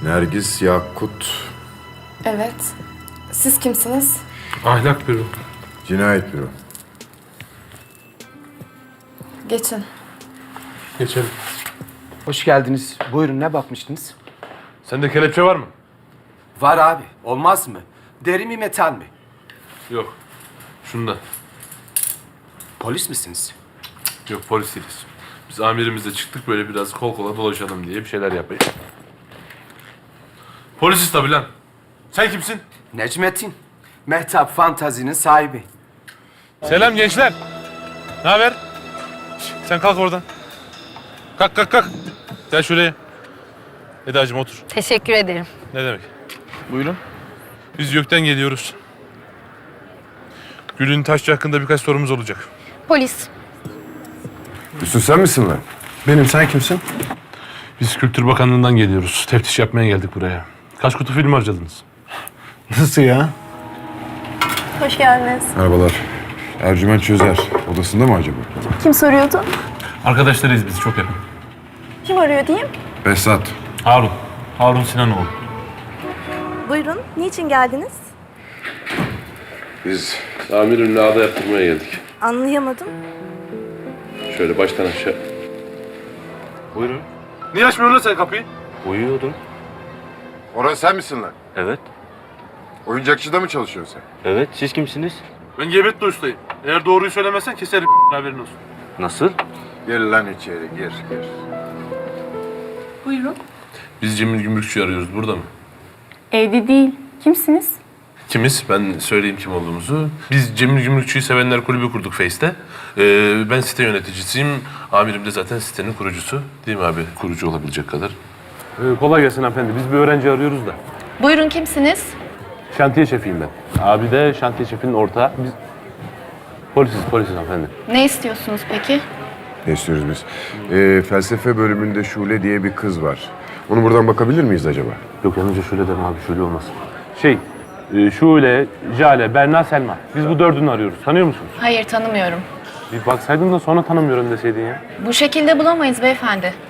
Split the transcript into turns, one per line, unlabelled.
Nergis Yakut.
Evet. Siz kimsiniz?
Ahlak büro.
Cinayet büro.
Geçin.
Geçelim.
Hoş geldiniz. Buyurun, ne bakmıştınız?
Sende kelepçe var mı?
Var abi. Olmaz mı? Deri mi, metal mi?
Yok. Şunda.
Polis misiniz?
Yok, polis değiliz. Biz amirimizle çıktık, böyle biraz kol kola dolaşalım diye bir şeyler yapayım. Polisiz tabii lan. Sen kimsin?
Necmettin. Mehtap Fantazi'nin sahibi.
Selam gençler. Ne haber? Sen kalk oradan. Kalk. Gel şuraya. Eda'cığım otur.
Teşekkür ederim.
Ne demek?
Buyurun.
Biz YÖK'ten geliyoruz. Gül'ün Taşçı hakkında birkaç sorumuz olacak.
Polis.
Hüsnü sen misin lan?
Benim, sen kimsin?
Biz Kültür Bakanlığı'ndan geliyoruz. Teftiş yapmaya geldik buraya. Kaç kutu film harcadınız?
Nasıl ya?
Hoş geldiniz.
Merhabalar. Ercüment Çözer. Odasında mı acaba?
Kim soruyordu?
Arkadaşlarıyız biz, çok yakın.
Kim arıyor diyeyim?
Behzat.
Harun Sinanoğlu.
Buyurun. Niçin geldiniz?
Biz amirimle ağda yaptırmaya geldik.
Anlayamadım.
Şöyle baştan aşağı.
Buyurun.
Niye açmıyorsun lan sen kapıyı?
Uyuyordum.
Orhan sen misin lan?
Evet.
Oyuncakçıda mı çalışıyorsun sen?
Evet, siz kimsiniz?
Ben Gebetli ustayım. Eğer doğruyu söylemezsen keserim haberin olsun.
Nasıl?
Gir lan içeri, gir.
Buyurun.
Biz Cemil Gümrükçü'yü arıyoruz. Burada mı?
Evde değil. Kimsiniz?
Kimiz? Ben söyleyeyim kim olduğumuzu. Biz Cemil Gümrükçü'yü sevenler kulübü kurduk Face'te. Ben site yöneticisiyim. Amirim de zaten sitenin kurucusu. Değil mi abi? Kurucu olabilecek kadar. Kolay gelsin hanımefendi. Biz bir öğrenci arıyoruz da.
Buyurun, kimsiniz?
Şantiye şefiyim ben. Abi de şantiye şefinin ortağı. Biz polisiz hanımefendi.
Ne istiyorsunuz peki?
Ne istiyoruz biz? Felsefe bölümünde Şule diye bir kız var. Onu buradan bakabilir miyiz acaba?
Yok, yalnızca şöyle deme abi, şöyle olmaz. Şule, Jale, Berna, Selma. Biz bu dördünü arıyoruz. Tanıyor musunuz?
Hayır, tanımıyorum.
Bir baksaydın da sonra tanımıyorum deseydin ya.
Bu şekilde bulamayız beyefendi.